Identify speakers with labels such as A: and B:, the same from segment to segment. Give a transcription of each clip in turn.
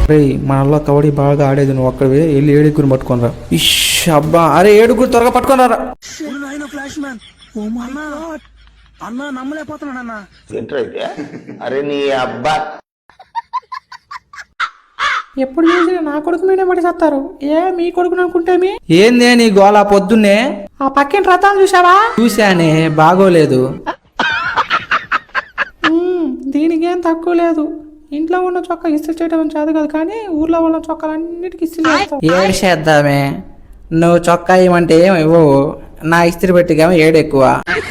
A: రే మనలో కబడ్డీ బాగా ఆడేది నువ్వు ఒక్కడివే వెళ్ళి ఏడుగురిని పట్టుకోనరా. ఇష్ అబ్బా, అరే ఏడుగురు త్వరగా పట్టుకోనరా.
B: ఫ్లాష్ మ్యాన్ అన్నా నమ్మలేకపోతున్నానన్నా.
C: అరే నీ అబ్బా,
D: ఎప్పుడు చూసినా నా కొడుకు మీదే పడి చేస్తారు. మీ కొడుకుని అనుకుంటేమి.
A: ఏందే నీ గోళ పొద్దున్నే?
D: ఆ పక్కిన రథాలు చూసావా?
A: చూశానే, బాగోలేదు.
D: దీనికి ఏం తక్కువ లేదు. ఇంట్లో ఉన్న చొక్కా ఇస్త్రీ చేయడం చేదు కాదు, కానీ ఊర్లో ఉన్న చొక్కాలన్నిటికీ ఇస్త్రీ చేస్తావు.
A: ఏడు చేద్దామే, నువ్వు చొక్కా ఇవ్వమంటే ఏమి ఇవ్వవు, నా ఇస్త్రీ పెట్టికేమో ఏడు ఎక్కువ.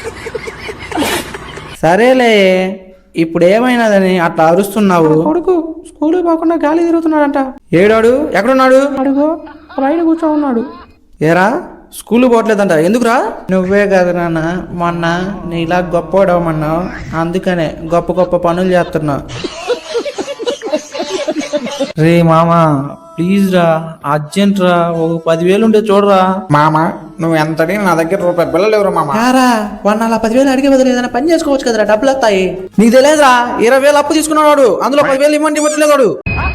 A: సరేలే, ఇప్పుడు ఏమైనాదని అట్లా అరుస్తున్నావు?
D: కొడుకు స్కూల్ పోకుండా గాలి తిరుగుతున్నాడంట.
A: ఏడాడు ఎక్కడున్నాడు?
D: అడుగు బయట కూర్చో ఉన్నాడు.
A: ఏరా స్కూల్ పోవట్లేదంట, ఎందుకురా? నువ్వే కదా నాన్న మొన్న నీలా గొప్పవాడవమన్నావు, అందుకనే గొప్ప గొప్ప పనులు చేస్తున్నా. రే మామా ప్లీజ్ రా, అర్జెంట్ రా, ఒక 10,000 ఉంటే చూడరా.
C: మామ నువ్వు ఎంత అడిగినా నా దగ్గర రూపాయి బిల్లలు ఎవరు మామ.
A: వాడిని అలా 10,000 అడిగే బదులు ఏదైనా పని చేసుకోవచ్చు కదరా, డబ్బులు వస్తాయి. నీకు తెలియదురా, 20,000 అప్పు తీసుకున్నాడు, అందులో 10,000 ఇవ్వండి ఇవ్వట్లేదు.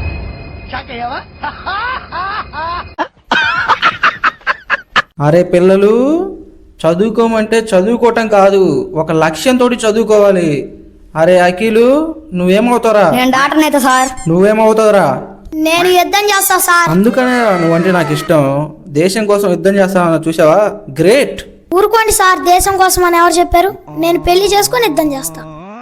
A: అరే పిల్లలు, చదువుకోమంటే చదువుకోవటం కాదు, ఒక లక్ష్యంతో చదువుకోవాలి. అరే అఖిలు, నువ్వేమవుతారా?
E: నేను డాక్టర్ అయితే సార్.
A: నువ్వేమవుతావురా?
E: నేను యుద్ధం చేస్తా సార్.
A: అందుకనే నువ్వంటే నాకు ఇష్టం. దేశం కోసం యుద్ధం చేస్తావా, చూసావా? గ్రేట్.
E: ఊరుకోండి సార్, దేశం కోసం అని ఎవరు చెప్పారు? నేను పెళ్లి చేసుకొని యుద్ధం చేస్తా.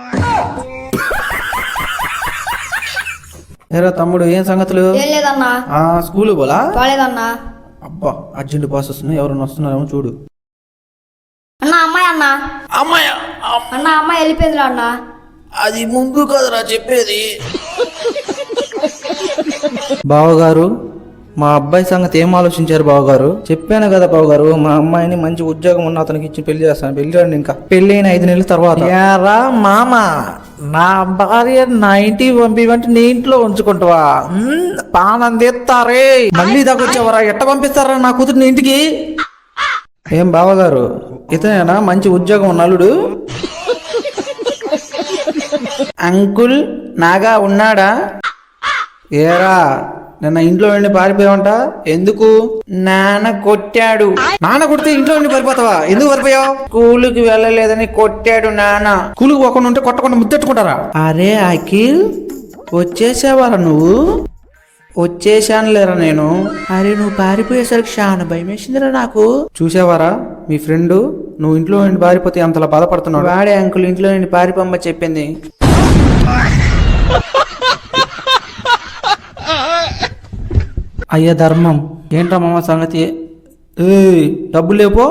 A: ఏరా తమ్ముడు, ఏం సంగతులు?
E: ఏం లేదన్నా.
A: స్కూల్ పోలా?
E: పోలేదన్నా.
A: అబ్బా అర్జెంట్ బాస్ వస్తున్నాయి, ఎవరన్నా వస్తున్నారేమో చూడు.
E: అన్నా అమ్మాయి అన్నా.
A: అమ్మాయి
E: అన్నా అమ్మాయి వెళ్ళిపోయిందిరా అన్నా.
A: అది ముందు కదరా చెప్పేది. బావగారు, మా అబ్బాయి సంగతి ఏం ఆలోచించారు బావగారు? చెప్పాను కదా బావగారు, మా అమ్మాయిని మంచి ఉద్యోగం ఉన్న అతనికి ఇచ్చి పెళ్లి చేస్తాను. పెళ్లి రండి, ఇంకా పెళ్లి అయిన 5 నెలల తర్వాత. యారా మామ, నా భార్య నా ఇంటికి పంపివంటే నీ ఇంట్లో ఉంచుకుంటావా? పానం తెస్తారే, మళ్ళీ దగ్గొచ్చావరా? ఎట్ట పంపిస్తారా నా కూతురు ఇంటికి? ఏం బావగారు, ఇతనేనా మంచి ఉద్యోగం ఉన్న అల్లుడు? అంకుల్ నాగా ఉన్నాడా? ఏరా నిన్న ఇంట్లో వెళ్ళి పారిపోయావంట, ఎందుకు? నాన్న కొట్టాడు. నాన్న కొడితే ఇంట్లో వెళ్ళి పారిపోతావా? ఎందుకు పారిపోయావు? స్కూలుకి వెళ్ళలేదని కొట్టాడు నాన్న. స్కూలుకి పోకుండా ఉంటే కొట్టకుండా ముద్దెట్టుకుంటారా? అరే అఖిల్, వచ్చేసావారా నువ్వు? వచ్చేసాను లేరా నేను. అరే నువ్వు పారిపోయేసరికి చాలా భయం వేసిందిరా నాకు. చూసావారా మీ ఫ్రెండ్, నువ్వు ఇంట్లో నుండి పారిపోతే అంతలా బాధపడుతున్నాడు. వాడే అంకుల్ ఇంట్లో నుండి పారిపోమ్మ చెప్పింది. అయ్యా ధర్మం, ఏంట్రా మామ సంగతి? డబ్బులు లేపో.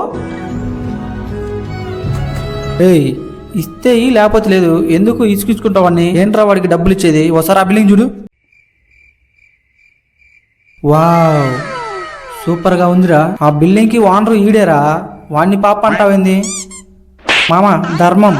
A: ఇస్తే లేకపోతే లేదు, ఎందుకు ఇసుకుంటావని? ఏంట్రా వాడికి డబ్బులు ఇచ్చేది? ఒకసారి ఆ బిల్లింగ్ చూడు. వావ్ సూపర్ గా ఉందిరా. ఆ బిల్డింగ్ కి ఓనరు ఈడేరా, వాడిని పాప అంటావేంది? మామ ధర్మం.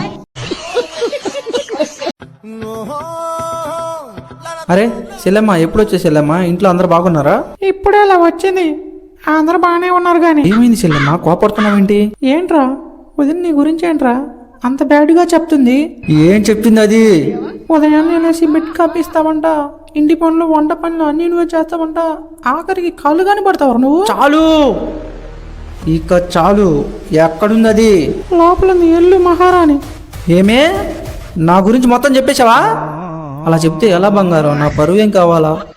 A: అరే చెల్లెమ్మ, ఎప్పుడు వచ్చే చెల్లెమ్మ? ఇంట్లో అందరు బాగున్నారా?
D: ఇప్పుడే అలా వచ్చింది, అందరూ బాగానే ఉన్నారు. గాని
A: ఏమైంది చెల్లెమ్మ, కోపడుతున్నావేంటి?
D: ఏంట్రా వదిన నీ గురించి ఏంట్రా అంత బ్యాడ్ గా చెప్తుంది?
A: ఏం చెప్తుంది అది?
D: ఉదయాన్నే అనేసి బెడ్ కాపిస్తావంట, ఇంటి పనులు వంట పనులు అన్ని నువ్వే చేస్తావంట, ఆఖరికి కళ్ళు కాని పడతావు నువ్వు.
A: చాలు, ఇక చాలు. ఎక్కడుంది అది?
D: లోపల నీ ఎల్లు మహారాణి.
A: ఏమే, నా గురించి మొత్తం చెప్పేశావా? అలా చెప్తే ఎలా బంగారం? నా పరువు ఏం కావాలా?